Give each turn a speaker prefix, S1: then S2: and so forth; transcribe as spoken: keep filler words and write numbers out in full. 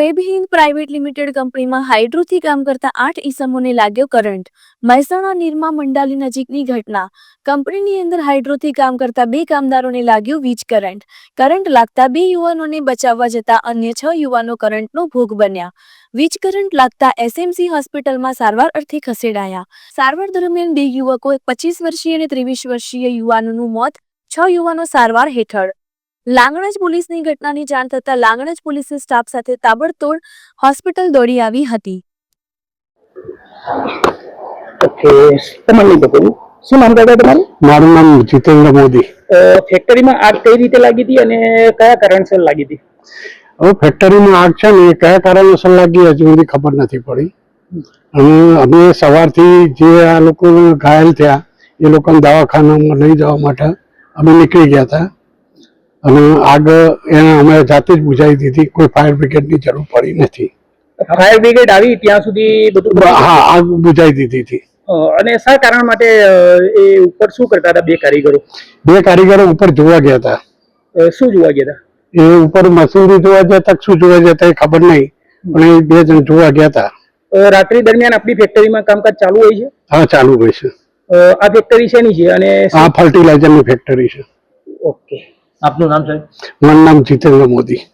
S1: ફેબહિન્દ private limited કંપનીમાં હાઇડ્રોથી કામ કરતા આઠ ઈસમોને લાગ્યો કરંટ. મહેસાણા નિરમા મંડાલી નજીકની ઘટના. કંપનીની અંદર હાઇડ્રોથી કામ કરતા બે કામદારોને લાગ્યો વીજ કરંટ. કરંટ લાગતા બે યુવાનોને બચાવવા જતા અન્ય છ યુવાનો કરંટનો ભોગ બન્યા. વીજ કરંટ લાગતા એસએમસી હોસ્પિટલમાં સારવાર અર્થે ખસેડાયા. સારવાર દરમિયાન બે યુવકો પચીસ વર્ષીય અને ત્રેવીસ વર્ષીય યુવાનોનું મોત, છ યુવાનો સારવાર હેઠળ. લાંગણજ પોલીસની ઘટનાની જાણ થતાં લાંગણજ પોલીસે સ્ટાફ સાથે તાબડતોડ હોસ્પિટલ દોડી આવી હતી.
S2: ઓકે, તમારું નામ શું નામ દાદા તમારું?
S3: મારું નામ જીતેન્દ્ર મોદી.
S2: ફેક્ટરીમાં આગ કઈ રીતે લાગી હતી અને કયા કારણસર લાગી હતી?
S3: હવે ફેક્ટરીમાં આગ છે ને એ કયા કારણોસર લાગી હજુ સુધી ખબર નથી પડી. અને અમે સવારથી જે આ લોકો ઘાયલ થયા એ લોકોને દવાખાનામાં લઈ જવા માટે અમે નીકળી ગયા હતા. અને આગ એને અમે જાતે જ બુઝાવી દીધી, કોઈ ફાયર બ્રિગેડની જરૂર પડી નથી.
S2: ફાયર બ્રિગેડ આવી ત્યાં સુધી બધું?
S3: હા, આગ બુઝાવી દીધી હતી.
S2: અને શા કારણ માટે એ ઉપર શું કરતા હતા બે કારીગરો?
S3: બે કારીગરો ઉપર જોવા ગયા હતા.
S2: શું જોવા ગયા હતા?
S3: એ ઉપર મશીનરી જોવા ગયા હતા, શું જોવા ગયા હતા એ ખબર નહીં, પણ એ બે જણ જોવા ગયા હતા.
S2: રાત્રિ દરમિયાન આપણી ફેક્ટરીમાં કામકાજ ચાલુ હોય છે?
S3: હા, ચાલુ હોય છે.
S2: આ ફેક્ટરી શેની છે? અને
S3: આ ફર્ટિલાઇઝરની ફેક્ટરી છે.
S2: ઓકે, આપનું નામ સાહેબ?
S3: મારું નામ જીતેન્દ્ર મોદી.